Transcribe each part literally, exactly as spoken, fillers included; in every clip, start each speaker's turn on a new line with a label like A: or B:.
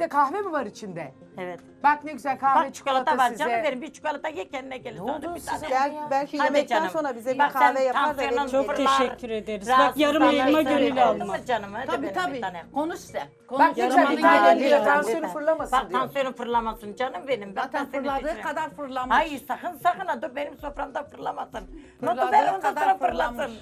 A: de kahve mi var içinde?
B: Evet.
A: Bak ne güzel kahve
B: Bak çikolata var
A: size.
B: canım benim. Bir çikolata ye kendine gelir.
A: Ne
B: Sonra
A: oldu
B: bir
A: size?
B: tane.
C: Gel, belki
B: Hadi
C: yemekten
B: canım.
C: sonra bize bir
B: Bak
C: kahve
B: sen
C: yapar da
B: tansiyonun
C: verir.
D: Çok
B: fırlar,
D: teşekkür ederiz. Bak, yarım
B: rahatsızlanırsın.
D: elma gönül
B: Değil
D: alma.
B: mi canım? Hadi
E: Tabii
B: benim
E: tabii.
B: bir tane.
E: Konuş sen. Konuş.
A: Bak ne güzel
D: Yarım
A: bir tane
D: elma
A: diyor
D: gönül
A: tansiyonu
B: alma.
A: fırlamasın
B: Bak
A: diyor.
B: tansiyonu fırlamasın canım benim. Bak
E: Zaten
B: ben seni
E: fırladığı
B: düşünüyorum.
E: kadar fırlamış.
B: Hayır sakın sakın ha dur benim soframda fırlamasın. Notu
E: Fırladığı
B: ver ondan
E: kadar
B: sonra
E: fırlamış.
B: fırlasın.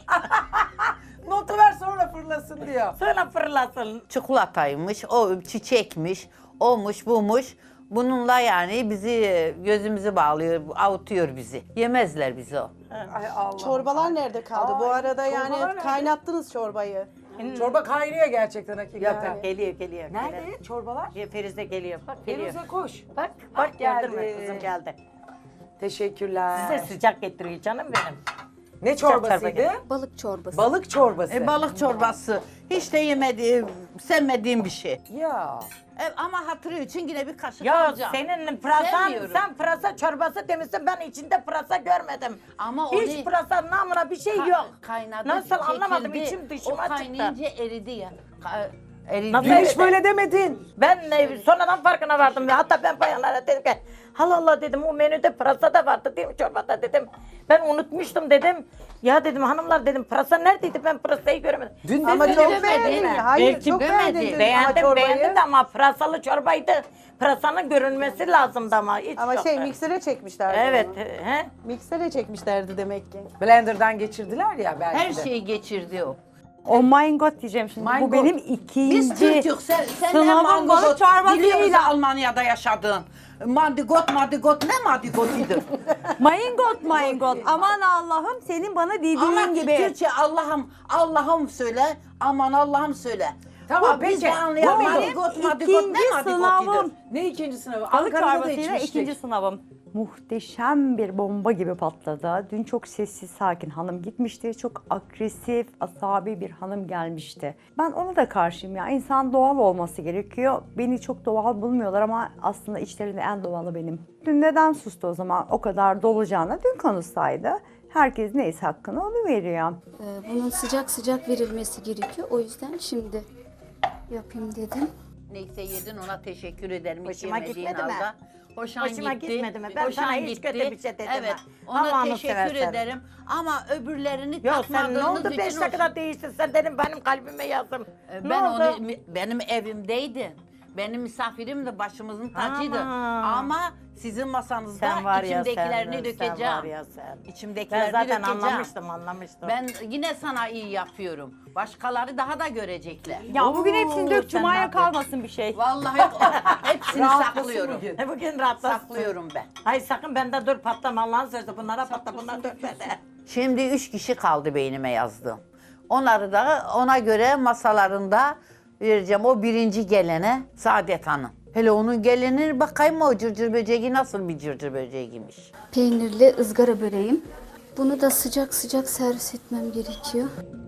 A: Notu ver sonra fırlasın diyor.
B: Sonra fırlasın.
F: Çikolataymış, o çiçekmiş, olmuş bumuş. Bununla yani bizi gözümüzü bağlıyor, avutuyor bizi. Yemezler bizi o.
A: Ay Allah.
C: Çorbalar nerede kaldı? Bu
A: Ay,
C: arada
A: çorbalar
C: yani
A: nerede?
C: kaynattınız çorbayı.
A: Çorba kaynıyor gerçekten hakikaten.
B: Yok geliyor geliyor.
A: Nerede çorbalar?
B: Geliyor. Ferize geliyor. Bak geliyor.
A: Ferize koş.
B: Bak
A: Ah,
B: bak
A: geldi.
B: gördün mü kızım geldi.
A: Teşekkürler.
B: Size sıcak getiriyor canım benim.
A: Ne
B: çorba
A: çorbasıydı?
B: geldi.
G: Balık çorbası.
A: Balık çorbası.
E: E, balık çorbası. Hiç de yemediğim, sevmediğim bir şey.
A: Ya.
E: E, ama hatırı için yine bir kaşık
B: Ya
E: alacağım.
B: senin pırasan,
E: Sevmiyorum.
B: sen pırasa çorbası demişsin ben içinde pırasa görmedim.
E: Ama
B: Hiç
E: onu-
B: pırasa namına bir şey
E: Ka-
B: yok.
E: Kaynadı,
B: Nasıl anlamadım
E: çekildi.
B: içim dışıma
E: O
B: çıktı.
E: kaynayınca eridi ya. Ka- eridi.
B: Nasıl
A: Dün hiç
B: Evet.
A: böyle demedin.
B: Ben e, sonradan farkına vardım. Hatta ben bayanlara dedim ki Allah Allah dedim o menüde pırasa da vardı değil mi çorbada dedim. Ben unutmuştum dedim. Ya dedim hanımlar dedim pırasa neredeydi ben pırasayı göremedim.
A: Dün
C: Ama
A: dedin,
C: çok
A: demedin
C: beğendin.
A: mi?
C: Hayır
D: Belki
C: çok
E: demedi.
C: beğendin dün
B: Beğendim
C: çorbayı.
B: beğendim de ama pırasalı çorbaydı. Pırasanın görünmesi lazımdı ama hiç
C: Ama
B: yok.
C: şey miksere çekmişlerdi
B: Evet.
C: onu.
B: He?
C: Miksere çekmişlerdi demek ki.
A: Blender'dan geçirdiler ya belki
E: Her
A: de.
E: şeyi geçirdi o.
H: O mangot diyeceğim şimdi.
A: Mangot.
H: Bu benim
E: Biz
H: ikinci
E: Türk'ük. Sen, sen de
H: sınavım
E: mangot
H: balık çorbası
E: biliyoruz
H: değil.
E: ya Almanya'da yaşadın. Mandigot, mandigot ne mandigotidir?
H: Mangot mangot. Aman Allah'ım senin bana
E: Ama
H: dediğin gibi.
E: Türkçe Allah'ım, Allah'ım söyle, aman Allah'ım söyle.
A: Tamam,
E: Bu biz
A: peki.
E: de anlayan
A: Bu
E: mandigot, mandigot
H: İkinci
E: ne mandigotidir?
H: sınavım.
A: Ne ikinci sınavı?
H: Balık
A: Ankara'da da
H: çorbasıyla
A: içmiştik.
H: ikinci sınavım. Muhteşem bir bomba gibi patladı. Dün çok sessiz sakin hanım gitmişti. Çok agresif, asabi bir hanım gelmişti. Ben ona da karşıyım ya. İnsan doğal olması gerekiyor. Beni çok doğal bulmuyorlar ama aslında içlerinde en doğalı benim. Dün neden sustu o zaman? O kadar dolacağına dün konuşsaydı. Herkes neyse hakkını onu veriyor.
G: Ee, bunun sıcak sıcak verilmesi gerekiyor. O yüzden şimdi yapayım dedim.
E: Neyse yedin ona teşekkür ederim. Hiç
B: Hoşuma
E: yemediğin
B: gitmedi mi?
E: halde. Hoşan
B: Hoşuma
E: gitti.
B: gitmedi mi? Ben
E: Hoşan
B: sana hiç
E: gitti.
B: kötü bir şey dedim
E: Evet.
B: ha.
E: Ona
B: Allah'ını
E: teşekkür
B: seversen.
E: ederim. Ama öbürlerini
B: Ya sen ne
E: takmadığınız
B: oldu
E: için
B: beş
E: hoş-
B: dakikada değiştin sen dedim benim kalbime yazdım.
E: E,
B: Ne
E: Ben
B: oldu?
E: onu benim evimdeydin. Benim misafirim de başımızın tacıydı.
B: Aman.
E: Ama sizin masanızda
B: Sen var ya
E: içimdekilerini
B: sen,
E: dökeceğim.
B: sen var ya sen. Ben
E: İçimdekilerini
B: zaten
E: dökeceğim.
B: anlamıştım anlamıştım.
E: Ben yine sana iyi yapıyorum. Başkaları daha da görecekler.
H: Ya bugün hepsini
B: Oo,
H: dök,
B: sen
H: Cuma'ya
B: ne yapıyorsun?
H: kalmasın bir şey.
E: Vallahi hepsini
A: Rahatlasın
E: saklıyorum.
A: bugün.
B: E bugün rahatlasın.
E: Saklıyorum ben.
B: Hayır sakın bende dur patlama Allah'ın sözü bunlara patla bunlar dökmedi.
F: Şimdi üç kişi kaldı beynime yazdığım. Onları da ona göre masalarında vereceğim. O birinci gelene Saadet Hanım. Hele onun geleni bakayım o cırcır böceği nasıl bir cırcır böceğiymiş.
G: Peynirli ızgara böreğim. Bunu da sıcak sıcak servis etmem gerekiyor.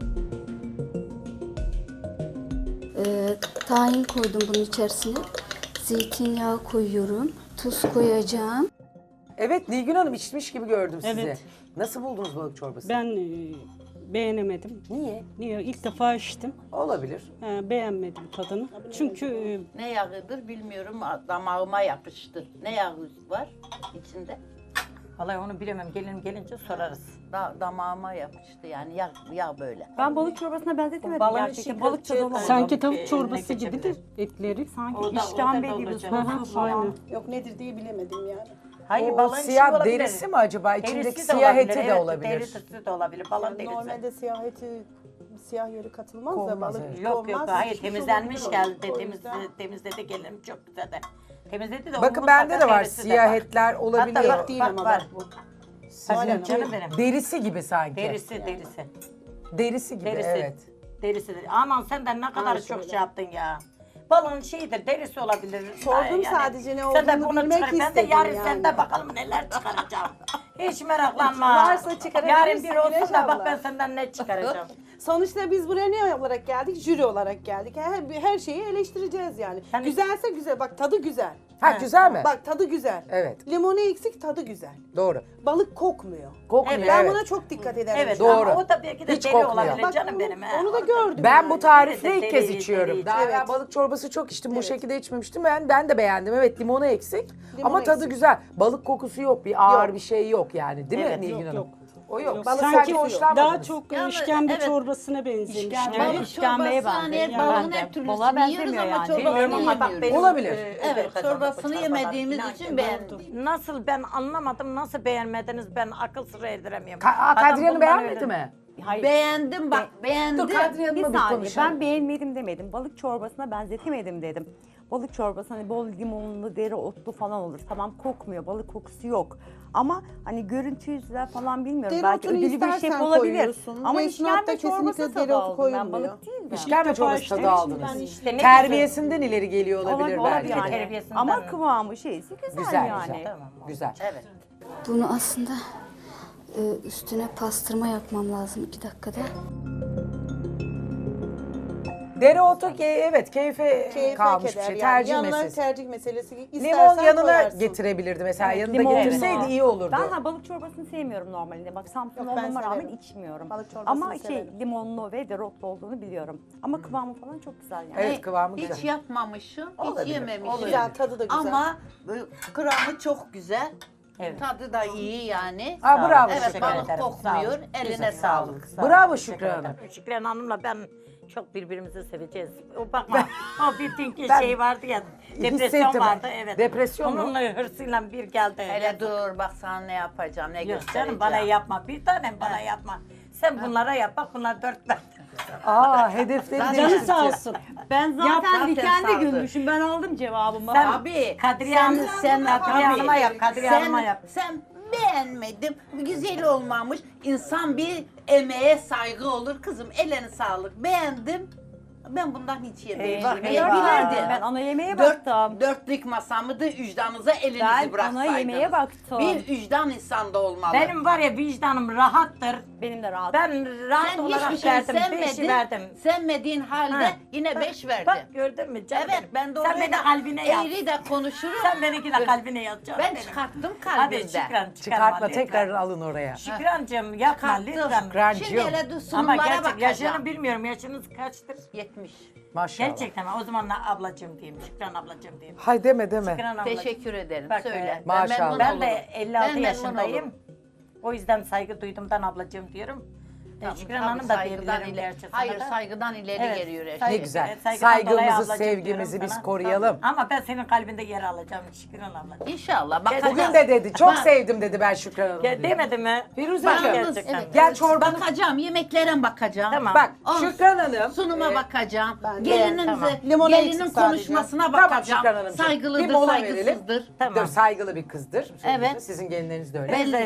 G: Ee, tahin koydum bunun içerisine. Zeytinyağı koyuyorum. Tuz koyacağım.
A: Evet Nilgün Hanım içmiş gibi gördüm sizi.
D: Evet.
A: Nasıl buldunuz balık çorbası?
D: Ben e, beğenemedim.
A: Niye?
D: Niye? İlk defa içtim.
A: Olabilir.
D: Ha, beğenmedim tadını. Çünkü e,
E: Ne yağıdır bilmiyorum. Damağıma yapıştı. Ne yağı var içinde?
B: Vallahi onu bilemem gelinim gelince sorarız.
E: Da, damağıma yapıştı yani yağ, yağ böyle.
H: Ben balık çorbasına benzetemedim
B: Balığın
H: gerçekten.
B: içi
H: Balık tadı
B: kılçığı
H: olan.
D: sanki
B: Eline
D: tavuk çorbası
B: geçebilir.
D: gibidir etleri.
H: Sanki
B: O da- o da
H: işkembe gibi
B: dolacak.
D: Hı hı,
H: soslu falan.
D: aynen.
C: Yok nedir diye bilemedim yani.
B: Hayır
A: O
B: balığın içi
A: siyah
B: olabilir.
A: derisi mi acaba? İçindeki
B: Derisi de
A: siyah
B: olabilir,
A: eti de
B: evet,
A: olabilir.
B: Derisi de olabilir balığın
C: Yani
B: derisi.
C: normalde siyah eti, siyah yeri katılmaz
A: Konmaz,
C: da balık
A: evet.
B: Yok yok
C: konmaz.
B: hayır
C: Pişmiş
B: temizlenmiş
C: olabilir o.
B: geldi
C: O
B: temiz,
C: yüzden-
B: temizledi gelinim çok güzel de. Temizledi de o
A: Bakın
B: mutlaka
A: bende de var
B: derisi de
A: siyah
B: var.
A: etler olabiliyor.
B: Hatta bak,
C: Değil
B: bak,
C: ama
B: var.
C: bak bu.
B: Sizin canım benim.
A: Derisi gibi sanki.
B: Derisi derisi.
A: Derisi gibi
B: Derisi.
A: evet.
B: Derisi. Aman senden ne kadar çok
C: şöyle.
B: şey yaptın ya. Balığın şeyidir, derisi olabilir.
C: Sordum sadece ne
B: Sen de
C: olduğunu
B: bunu
C: bilmek
B: çıkar. Ben de
C: istedim
B: yarın
C: yani.
B: sende bakalım neler çıkaracağım. Hiç meraklanma.
C: Varsa çıkarabilirsin
B: Yarın bir olsun
C: Güneş
B: da bak
C: abla.
B: ben senden ne çıkaracağım.
C: Sonuçta biz buraya ne olarak geldik? Jüri olarak geldik. Her, her şeyi eleştireceğiz yani.
B: Ben-
C: Güzelse güzel. Bak tadı güzel.
A: Ha güzel mi?
C: Bak tadı güzel.
A: Evet.
C: Limonu eksik, tadı güzel.
A: Doğru.
C: Balık kokmuyor.
A: Kokmuyor
C: Ben
A: evet.
C: buna çok dikkat ederim.
B: Evet
A: Doğru.
B: ama o da belki de
A: Hiç
B: deli
A: kokmuyor.
B: olabilir
C: Bak,
B: canım
C: onu-
B: benim. he.
C: onu da
B: Orada-
C: gördüm.
A: Ben bu tarifle
B: Evet,
A: ilk kez
B: deli,
A: içiyorum.
B: deli.
A: Daha
C: Evet.
A: evvel balık çorbası çok içtim. Bu
C: Evet.
A: şekilde içmemiştim. Ben ben de beğendim. Evet limonu eksik.
C: Limonu
A: ama tadı
C: eksik.
A: güzel. Balık kokusu yok. Bir ağır
C: Yok.
A: bir şey yok yani. Değil
B: Evet,
A: mi Nilgün
D: yok,
A: Hanım?
D: yok.
A: O yok.
D: Yok,
A: Balık
D: sanki
A: sanki hoşlanmadınız.
D: Daha çok
E: Yani,
D: işkembe
E: evet.
D: çorbasına benzemiş.
B: İşkembe-
D: Yani.
E: Balık
H: işkembeye
E: çorbası hani
H: benziyor.
E: balığın
H: Yani
E: her
H: balığa
E: türlüsünü yiyoruz
H: benzemiyor
E: ama
H: yani.
E: çorbasını
B: Bilmiyorum ama bak
E: yemiyoruz.
B: benim,
A: Olabilir.
B: e,
E: Evet,
B: öbür kazandı
E: çorbasını
B: bu çorbalar.
E: yemediğimiz
B: İnan
E: için
B: ki
E: beğendik.
B: Nasıl ben anlamadım, nasıl beğenmediniz ben akıl sıra erdiremiyorum.
A: Ka- Aa,
B: Adam
A: Kadriye Hanım
B: bundan
A: beğenmedi
B: öyle-
A: mi?
H: Hayır.
E: Beğendim bak beğendim.
A: Dur Kadriye
H: Bir
A: Hanım'la bir
H: saniye
A: konuşalım.
H: ben beğenmedim demedim. Balık çorbasına benzetemedim dedim. Balık çorbası hani bol limonlu, dereotlu falan olur. Tamam kokmuyor, balık kokusu yok. Ama hani görüntü yüzünden falan bilmiyorum. Belki
C: Dereotunu
H: ödülü bir şey
C: istersen
H: olabilir.
C: koyuyorsun.
H: Ama
C: Mecnuatta
H: işkembe çorbası
C: kesinlikle
H: tadı
C: dereotu
H: aldım ben.
C: koyulmuyor.
H: Balık değil de.
A: İşkembe
D: defa
A: çorbası
D: içtim.
A: tadı aldınız.
C: Ben
B: İşte ne
A: Terbiyesinden ileri geliyor olabilir
H: Olabilir,
A: belki.
H: yani.
B: Terbiyesinden.
H: Ama kıvamı şeysi güzel,
A: Güzel
H: yani.
A: güzel.
B: Tamam,
A: Güzel.
B: Evet.
G: Bunu aslında e, üstüne pastırma yapmam lazım iki dakikada.
A: Dereotu ke- evet keyfe,
C: Keyfe
A: kalmış bir
C: keder
A: şey.
C: yani.
A: Tercih
C: Yanına
A: meselesi.
C: tercih meselesi.
A: Limon
C: İstersen
A: yanına
C: koyarsın.
A: getirebilirdi mesela.
H: Evet,
A: Yanında
H: limonlu.
A: getirseydi iyi olurdu.
H: Ben ha, balık çorbasını sevmiyorum normalde. Bak Samsun
C: Yok, ben
H: olmama rağmen
C: severim.
H: içmiyorum.
C: Balık çorbasını
H: Ama şey
C: severim.
H: limonlu ve dereotlu olduğunu biliyorum. Ama kıvamı falan çok güzel yani.
A: Evet, kıvamı
E: Hiç
A: güzel.
E: yapmamışım,
A: Olabilir,
E: hiç yememişim.
C: Güzel, tadı da güzel.
E: Ama böyle kıvamı çok güzel.
B: Evet.
E: Tadı da iyi yani.
A: Ha, bravo.
E: Evet
B: Teşekkür
E: balık
B: ederim.
E: kokmuyor.
B: Sağ olun.
E: Eline
B: Güzel,
E: sağlık.
B: sağ olun.
A: Bravo
B: Teşekkür
A: Şükran
B: ederim.
A: Hanım.
B: Şükran Hanım'la ben çok birbirimizi seveceğiz. O bakma, o bir dünkü
A: Ben
B: şey vardı ya, depresyon
A: hissettim.
B: vardı evet.
A: Depresyon mu?
B: Onunla hırsıyla bir geldi.
E: Hele dur bak sana ne yapacağım, ne
B: Yok
E: göstereceğim.
B: canım bana yapma, bir tanem bana yapma. Sen bunlara yap, bak bunlar dört tane.
A: Aa hedefleri
D: Canı
A: değiştirdi.
D: sağ olsun.
H: Ben
E: zaten
H: zaten
E: dikenli
H: dikendi
E: gülmüşüm.
H: Ben aldım cevabımı.
B: Sen-
E: Abi
B: Kadriye
E: sen,
B: Hanım-
E: sen,
B: Kadriye
E: tabii.
B: Hanım'a yap, Kadriye
E: sen,
B: Hanım'a yap.
E: Sen beğenmedim, güzel olmamış. İnsan bir emeğe saygı olur kızım. Eline sağlık. Beğendim. Ben bundan hiç yemedim.
B: Bak,
E: Niye
B: eyvah.
E: bilirdim?
H: Ben ana yemeğe
E: Dört,
H: baktım.
E: dörtlük masamı da vicdanınıza elinizi
H: Ben ana
E: bıraksaydınız.
H: yemeğe baktım.
E: Bir vicdan insanda olmalı.
B: Benim var ya vicdanım rahattır.
H: Benim de rahat.
B: Ben rahat
E: Sen
B: olarak
E: hiçbir şey
B: verdim, beşi
E: sevmedin.
B: verdim.
E: Sevmediğin halde
B: Ha.
E: yine
B: Bak,
E: beş verdin.
B: Bak gördün mü canım
E: Evet
B: benim.
E: ben doğru
B: Sen beni kalbine yaz.
E: eğri de konuşurum.
B: Sen benimki de kalbine yaz canım
E: Ben
B: benim.
E: çıkarttım
B: Hadi
E: kalbimden.
B: Şükran çıkarma
A: Çıkartma
B: lütfen.
A: tekrar alın oraya.
B: Şükrancığım yapma
E: Çıkarttım.
B: lütfen.
A: Şükrancığım.
E: Şimdi hele dur
B: Ama
E: sunumlara
B: gerçek
E: bakacağım.
B: yaşını bilmiyorum. Yaşınız kaçtır?
E: yetmiş.
A: Maşallah.
B: Gerçekten mi? O zaman da ablacığım diyeyim. Şükran ablacığım diyeyim.
A: Hay deme deme.
B: Şükran ablacığım.
E: Teşekkür ederim.
B: Bak,
E: Söyle.
B: e,
A: Maşallah.
E: memnun
B: Ben
E: olurum.
B: de elli altı
E: Ben memnun
B: yaşındayım.
E: olurum.
B: O yüzden saygı duyduğumdan ablacığım diyorum. E,
E: Tabii,
B: Şükran
E: tabii,
B: Hanım da
E: saygıdan
B: diyebilirim
E: ileri-
B: gerçi sana
E: Hayır
B: da.
E: saygıdan ileri
B: Evet,
E: geliyor her
B: saygı-
E: şey.
A: Ne güzel.
B: Evet, saygıdan dolayı
A: Saygımızı,
B: ablacığım
A: sevgimizi
B: diyorum
A: biz
B: sana.
A: koruyalım.
B: Ama ben senin kalbinde yer alacağım Şükran ablacığım.
E: İnşallah. Bakacağız.
A: Bugün de dedi. Çok
E: Bak-
A: sevdim dedi ben Şükran Hanım.
B: Ya demedi mi?
A: Firuzeciğim.
E: Bakınız,
B: Gerçekten.
E: evet,
A: Gel
E: evet.
A: çorbanı-
E: Bakacağım, yemeklere bakacağım.
B: Tamam.
A: Bak
E: Olsun.
A: Şükran Hanım.
E: Sunuma
A: e,
E: bakacağım.
C: ben de-
E: Gelininize,
B: Tamam.
C: Limonu
E: gelinin
C: eksik sadece.
E: konuşmasına
A: Tamam
E: bakacağım.
A: Şükran Hanımcığım.
E: Saygılıdır,
A: Bir mola verelim.
E: saygısızdır.
B: Tamam.
A: Dur saygılı bir kızdır.
E: Evet.
A: Sizin gelinleriniz de öyle.
E: Belli.